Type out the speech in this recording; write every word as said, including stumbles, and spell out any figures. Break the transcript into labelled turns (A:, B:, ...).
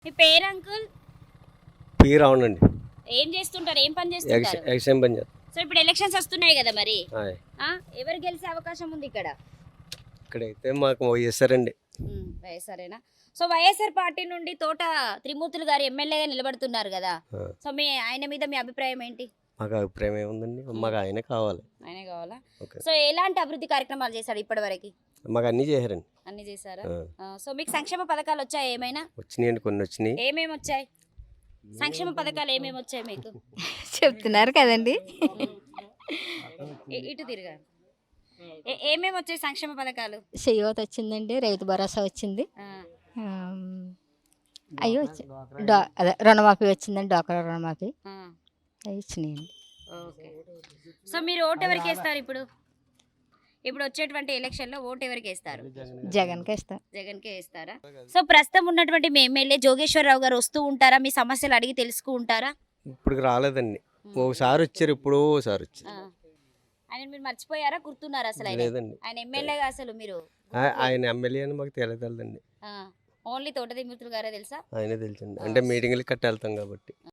A: మీ పేరు uncle?
B: P రావణండి.
A: ఏం చేస్తుంటారు? ఏం పని చేస్తుంటారు?
B: ఎక్సైమ్ పని చేస్తాను.
A: సో ఇప్పుడు ఎలక్షన్స్ వస్తున్నాయి కదా, మరి
B: హాయ్.
A: ఆ ఎవరు గెలిచే అవకాశం ఉంది ఇక్కడ?
B: ఇక్కడైతే మాకు వైఎస్ఆర్ండి.
A: వైఎస్ఆర్ఏనా? సో వైఎస్ఆర్ పార్టీ నుండి తోట త్రిమూర్తులు గారు ఎమ్మెల్యేగా నిలబడుతున్నారు కదా, సో మీ ఆయన మీద మీ అభిప్రాయం ఏంటి?
B: మాకు అభిప్రాయం ఏముందండి, మాకు ఆయనే కావాలి.
A: ఆయనే కావాలా?
B: ఓకే.
A: సో ఎలాంటి అభివృద్ధి కార్యక్రమాలు చేశాడు ఇప్పటి వరకు?
B: మాకు అన్నీ చేశారండి.
A: అన్ని చేశారా?
B: ఆ.
A: ఆ, సో మీకు సంక్షేమ పథకాలు వచ్చాయి ఏమైనా?
B: వచ్చినాయండి, కొన్ని వచ్చినాయి.
A: ఏమేమి వచ్చాయి సంక్షేమ పథకాలు? ఏమేమి వచ్చాయి మీకు?
C: చెప్తున్నారు కదండి.
A: ఇ- ఇటు తిరగా. ఏ- ఏమేమి వచ్చాయి సంక్షేమ పథకాలు?
C: చెయ్యోత వచ్చిందండి, రైతు భరోసా వచ్చింది,
A: ఆ,
C: ఆమ్, అయ్యో వచ్చి డా అదే రుణమాఫీ వచ్చిందండి, డోక్రా రుణమాఫీ
A: ఆ,
C: అవి వచ్చినాయండి.
A: ఓకే. సో మీరు ఓటు ఎవరికి వేస్తారు ఇప్పుడు? ఇప్పుడు వచ్చేటువంటి ఎలక్షన్లో ఓటు ఎవరికి వేస్తారు?
C: జగన్కి ఇస్తాం.
A: జగన్కే వేస్తారా? సో ప్రస్తుతం ఉన్నటువంటి మీ ఎమ్మెల్యే జోగేశ్వరరావు గారు వస్తూ ఉంటారా? మీ సమస్యలు అడిగి తెలుసుకుంటారా?
B: ఇప్పుడు రాలేదండి, ఒకసారి వచ్చారు, ఇప్పుడు ఓసారి వచ్చారు.
A: ఆ. ఆయన మీరు మర్చిపోయారా? గుర్తున్నారా అసలు ఆయన?
B: లేదండి,
A: ఆయన ఎమ్మెల్యేగా అసలు మీరు
B: ఆ- ఆయన ఎమ్మెల్యే అని మాకు తెలియదండి.
A: ఓన్లీ తోట దిమ్మూర్తులు గారే తెలుసా?
B: ఆయనే తెలుసండి, అంటే మీటింగ్లకి కట్టి వెళ్తాం కాబట్టి.